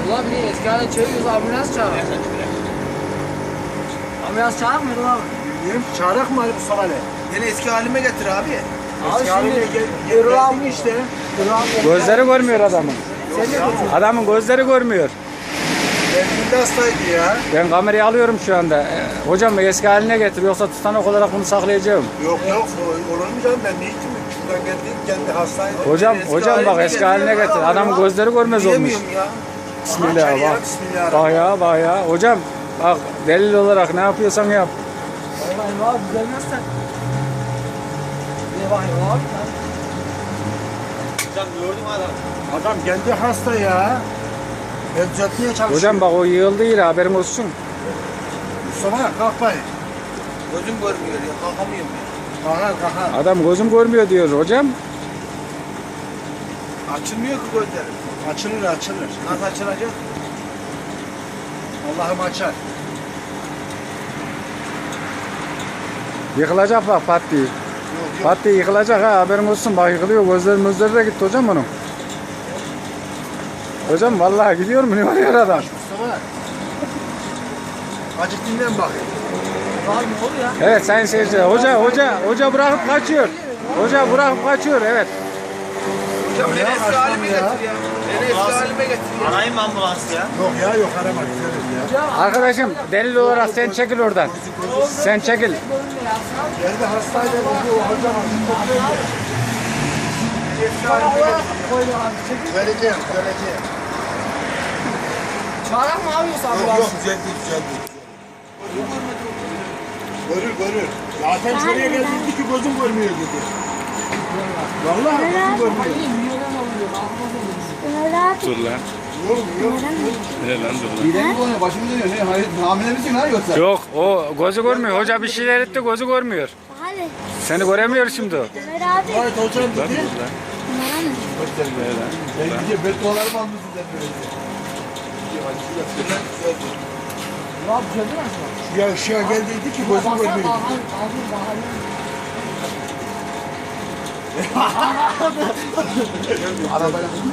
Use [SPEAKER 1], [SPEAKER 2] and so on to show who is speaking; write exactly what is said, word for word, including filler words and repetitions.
[SPEAKER 1] Ulan bir eski haline çeviriyoruz, ambulans çağırıyor. Ambulans çağırır mıydı abi?
[SPEAKER 2] Bilmiyorum, çağırak mı Mustafa Ali?
[SPEAKER 3] Yine eski halime getir abi.
[SPEAKER 1] Abi
[SPEAKER 2] Eski haline
[SPEAKER 1] şimdi
[SPEAKER 2] gel-
[SPEAKER 1] Erol
[SPEAKER 2] gel-
[SPEAKER 1] abi işte. Erol abi.
[SPEAKER 4] Gözleri görmüyor adamın.
[SPEAKER 1] Sen de götür.
[SPEAKER 4] Adamın gözleri görmüyor.
[SPEAKER 2] Kendinde hastaydı ya.
[SPEAKER 4] Ben kamerayı alıyorum şu anda. Ee, hocam eski haline getir yoksa tutanak olarak bunu saklayacağım.
[SPEAKER 2] Yok yok, o- olur mu canım, ben ne gittim? Şuradan geldim, kendi hastaydı.
[SPEAKER 4] Hocam
[SPEAKER 3] Eski
[SPEAKER 4] hocam bak
[SPEAKER 3] haline
[SPEAKER 4] eski
[SPEAKER 3] getir
[SPEAKER 4] haline
[SPEAKER 3] ya.
[SPEAKER 4] getir. Adamın gözleri görmez olmuş.
[SPEAKER 3] Diyemiyorum ya.
[SPEAKER 4] Bismillah
[SPEAKER 2] Aha,
[SPEAKER 4] bak.
[SPEAKER 2] Bismillah.
[SPEAKER 4] Bak ya bak ya. Hocam bak delil olarak ne yapıyorsan yap.
[SPEAKER 1] Vallahi Erol abi düzelmezsen. Ne bak Erol abi?
[SPEAKER 3] Hocam gördüm adam.
[SPEAKER 2] Adam kendi hasta ya. Ben düzeltmeye çalışıyorum.
[SPEAKER 4] Hocam bak o yığıldı yine haberin olsun.
[SPEAKER 2] Mustafa kalk bayım.
[SPEAKER 3] Gözüm görmüyor ya. Kalkamıyorum ya.
[SPEAKER 2] Kalkar kalkar.
[SPEAKER 4] Adam gözüm görmüyor diyor hocam.
[SPEAKER 3] Açılmıyor ki gözlerim.
[SPEAKER 2] Açılır açılır.
[SPEAKER 3] Nasıl açılacak?
[SPEAKER 2] Allah'ım açar.
[SPEAKER 4] Yıkılacak bak pat diye.
[SPEAKER 2] Yok yok.
[SPEAKER 4] Pat diye yıkılacak ha haberin olsun. Bak yıkılıyor gözleri gözleri de gitti hocam bunun. Hocam vallahi gidiyor mu ne oluyor adam?
[SPEAKER 2] Mustafa. Acık dinlen bakayım.
[SPEAKER 1] Erol abi ne oluyor ya?
[SPEAKER 4] Evet sayın seyirciler. Hoca hoca hoca bırakıp kaçıyor. Hoca bırakıp kaçıyor evet.
[SPEAKER 3] Hocam beni
[SPEAKER 2] Ya,
[SPEAKER 3] eski
[SPEAKER 2] açmam
[SPEAKER 3] halime
[SPEAKER 2] ya.
[SPEAKER 3] getir ya. Beni eski halime getir ya.
[SPEAKER 5] Arayayım mı ambulansı ya?
[SPEAKER 2] Yok ya yok, arama güzelim ya.
[SPEAKER 4] Arkadaşım delil olarak sen çekil oradan. Sen çekil.
[SPEAKER 2] Kendi hastaydı bu hocam.
[SPEAKER 1] Koyuyor abi. Çekil.
[SPEAKER 2] Vereceğim vereceğim.
[SPEAKER 1] Çağırak mı abi yoksa
[SPEAKER 2] Yok
[SPEAKER 1] ambulans?
[SPEAKER 2] yok, düzeldi düzeldi. Görür görür. Zaten şuraya geldi ki gözüm görmüyor dedi. Vallahi gözüm görmüyor.
[SPEAKER 1] Hayır, milyonlar oluyor. Ambulans oluyor.
[SPEAKER 6] Ömer abi.
[SPEAKER 4] Dur lan.
[SPEAKER 2] Yok yok.
[SPEAKER 4] Ne lan dur lan.
[SPEAKER 5] Midem mi bulanıyor? Başım dönüyor. Ne? Hayır, hamile misin lan yoksa?
[SPEAKER 4] Yok o gözü görmüyor. Hoca bir şeyler etti gözü görmüyor.
[SPEAKER 6] Hadi.
[SPEAKER 4] Seni göremiyor şimdi o.
[SPEAKER 6] Ömer abi.
[SPEAKER 2] Evet hocam dedi.
[SPEAKER 6] Ömer abi.
[SPEAKER 5] Ben gidiyor beddualarımı almışsın sen böyle.
[SPEAKER 1] Erol abi düzeldi mi aslında?
[SPEAKER 2] Ya ışığa geldiydi ki gözüm
[SPEAKER 1] Baksana
[SPEAKER 2] görmüyor.
[SPEAKER 1] Bahar, Bahar, Bahar.
[SPEAKER 5] Arabayla